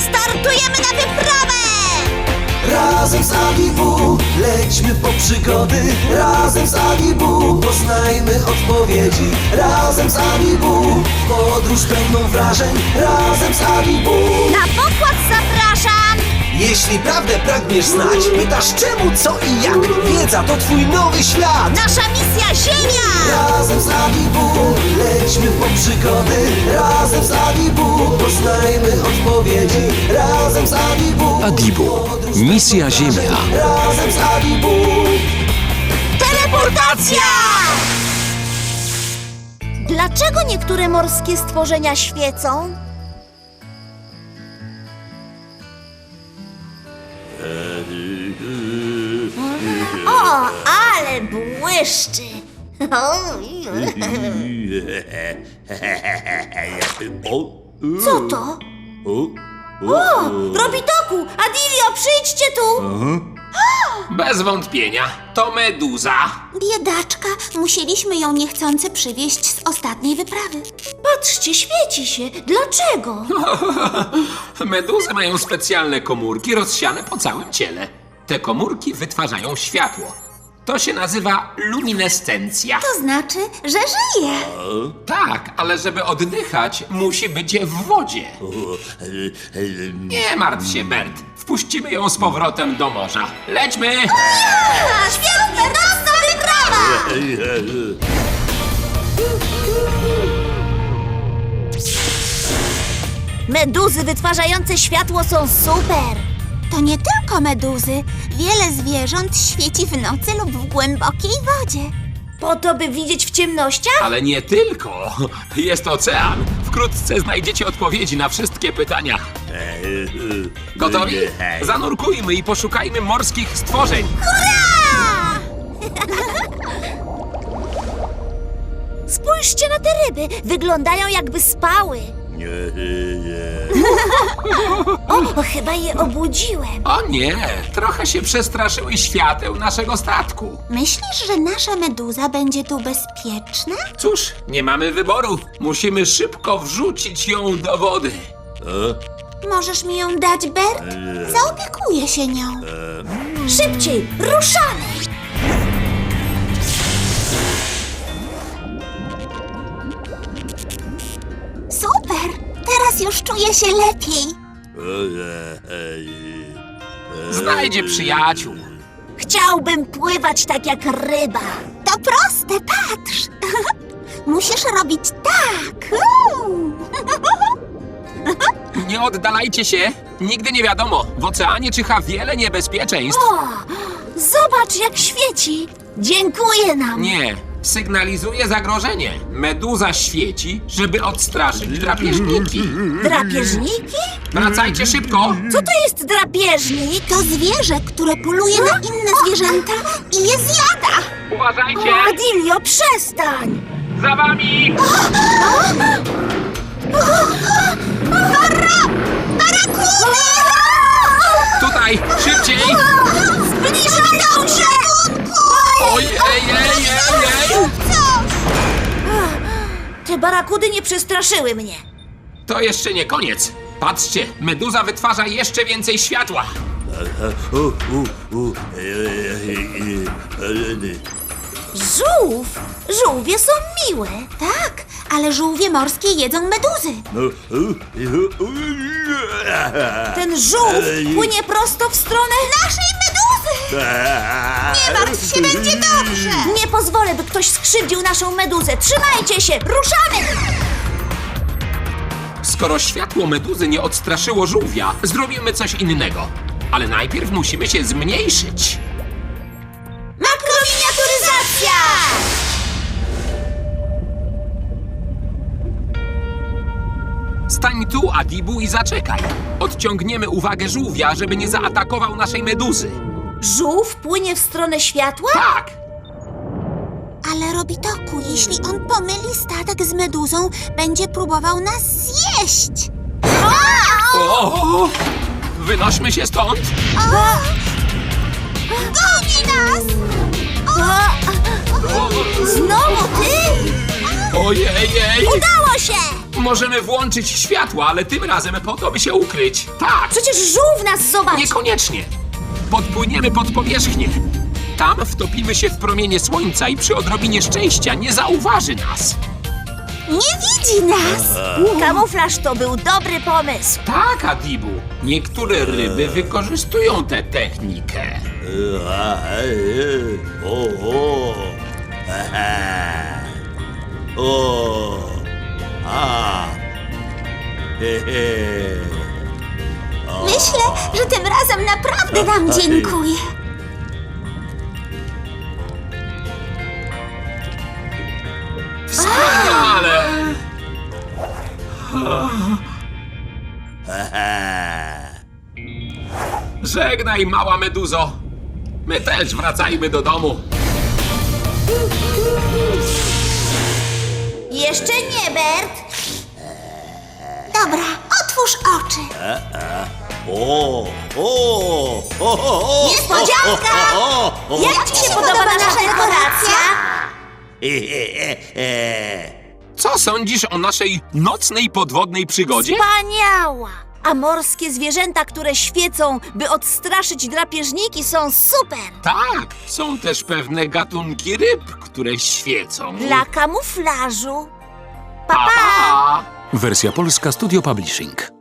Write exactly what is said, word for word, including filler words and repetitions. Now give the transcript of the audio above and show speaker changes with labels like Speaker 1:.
Speaker 1: Startujemy na wyprawę!
Speaker 2: Razem z Adibu lećmy po przygody. Razem z Adibu poznajmy odpowiedzi. Razem z Adibu podróż pełną wrażeń. Razem z Adibu.
Speaker 1: Na pokład zapraszam!
Speaker 2: Jeśli prawdę pragniesz znać, pytasz czemu, co i jak. Wiedza to twój nowy świat.
Speaker 1: Nasza misja Ziemia!
Speaker 2: Razem z Adibu lećmy po przygody. Razem z Adibu poznajmy odpowiedzi. Razem z Adibu.
Speaker 3: Adibu. Misja Ziemia.
Speaker 2: Razem z Adibu.
Speaker 1: Teleportacja! Dlaczego niektóre morskie stworzenia świecą? O, ale błyszczy! Co to? O, Robitoku! Adilio, przyjdźcie tu!
Speaker 4: Bez wątpienia, to meduza.
Speaker 5: Biedaczka, musieliśmy ją niechcący przywieźć z ostatniej wyprawy.
Speaker 1: Patrzcie, świeci się. Dlaczego?
Speaker 4: Meduzy mają specjalne komórki rozsiane po całym ciele. Te komórki wytwarzają światło. To się nazywa luminescencja.
Speaker 5: To znaczy, że żyje.
Speaker 4: Tak, ale żeby oddychać, musi być w wodzie. Nie martw się, Bert. Wpuścimy ją z powrotem do morza. Lećmy!
Speaker 1: Świetna, nocna wyprawa! Meduzy wytwarzające światło są super!
Speaker 5: To nie tylko meduzy. Wiele zwierząt świeci w nocy lub w głębokiej wodzie.
Speaker 1: Po to, by widzieć w ciemnościach?
Speaker 4: Ale nie tylko. Jest ocean. Wkrótce znajdziecie odpowiedzi na wszystkie pytania. Gotowi? Zanurkujmy i poszukajmy morskich stworzeń.
Speaker 1: Spójrzcie na te ryby. Wyglądają, jakby spały. O, chyba je obudziłem.
Speaker 4: O nie, trochę się przestraszyły świateł naszego statku.
Speaker 5: Myślisz, że nasza meduza będzie tu bezpieczna?
Speaker 4: Cóż, nie mamy wyboru. Musimy szybko wrzucić ją do wody.
Speaker 5: Możesz mi ją dać, Bert? Zaopiekuję się nią.
Speaker 1: Szybciej, ruszamy!
Speaker 5: Super! Teraz już czuję się lepiej.
Speaker 4: Znajdzie przyjaciół.
Speaker 1: Chciałbym pływać tak jak ryba.
Speaker 5: To proste, patrz. Musisz robić tak. Uuu.
Speaker 4: Nie oddalajcie się. Nigdy nie wiadomo. W oceanie czyha wiele niebezpieczeństw.
Speaker 1: O, zobacz, jak świeci. Dziękuję nam.
Speaker 4: Nie, sygnalizuje zagrożenie. Meduza świeci, żeby odstraszyć drapieżniki.
Speaker 1: Drapieżniki?
Speaker 4: Wracajcie szybko.
Speaker 1: Co to jest drapieżnik?
Speaker 5: To zwierzę, które poluje na inne zwierzęta i je zjada.
Speaker 4: Uważajcie!
Speaker 1: O, Adilio, przestań!
Speaker 4: Za wami! Tutaj! Szybciej!
Speaker 1: Zbliżają się!
Speaker 4: Ojej, ej, ej, ej!
Speaker 1: Te barakudy nie przestraszyły mnie.
Speaker 4: To jeszcze nie koniec. Patrzcie, meduza wytwarza jeszcze więcej światła.
Speaker 1: Żółw? Żółwie są miłe.
Speaker 5: Tak, ale żółwie morskie jedzą meduzy.
Speaker 1: Ten żółw płynie prosto w stronę naszej meduzy.
Speaker 5: Nie martw się, będzie dobrze.
Speaker 1: Nie pozwolę, by ktoś skrzywdził naszą meduzę. Trzymajcie się, ruszamy!
Speaker 4: Skoro światło meduzy nie odstraszyło żółwia, zrobimy coś innego. Ale najpierw musimy się zmniejszyć.
Speaker 1: Makrominiaturyzacja!
Speaker 4: Stań tu, Adibu, i zaczekaj. Odciągniemy uwagę żółwia, żeby nie zaatakował naszej meduzy.
Speaker 1: Żółw płynie w stronę światła?
Speaker 4: Tak!
Speaker 5: Ale Robitoku, jeśli on pomyli statek z meduzą, będzie próbował nas zjeść.
Speaker 4: O! Wynośmy się stąd!
Speaker 5: Goni nas!
Speaker 1: Znowu ty?
Speaker 4: Ojej!
Speaker 1: Udało się!
Speaker 4: Możemy włączyć światło, ale tym razem po to, by się ukryć. Tak,
Speaker 1: Przecież żółw nas zobaczy.
Speaker 4: niekoniecznie. Podpłyniemy pod powierzchnię. Tam wtopimy się w promienie słońca i przy odrobinie szczęścia nie zauważy nas.
Speaker 5: Nie widzi nas.
Speaker 1: Kamuflaż to był dobry pomysł.
Speaker 4: Tak, Adibu. Niektóre ryby wykorzystują tę technikę.
Speaker 6: O, o. O. A. He, he.
Speaker 5: Myślę, że tym razem naprawdę nam dziękuję.
Speaker 4: Wspaniale! Żegnaj, mała meduzo. My też wracajmy do domu.
Speaker 1: Jeszcze nie, Bert.
Speaker 5: Dobra, otwórz oczy.
Speaker 6: O, o, o, o,
Speaker 1: Niespodzianka!
Speaker 6: o, o,
Speaker 1: Jak ci się podoba nasza dekoracja?
Speaker 6: e, e, e.
Speaker 4: Co sądzisz o naszej nocnej podwodnej przygodzie?
Speaker 1: Wspaniała! A morskie zwierzęta, które świecą, by odstraszyć drapieżniki, są super!
Speaker 4: Tak, są też pewne gatunki ryb, które świecą.
Speaker 1: Dla kamuflażu. Pa,
Speaker 4: Pa,
Speaker 1: pa!
Speaker 4: pa!
Speaker 3: Wersja polska Studio Publishing.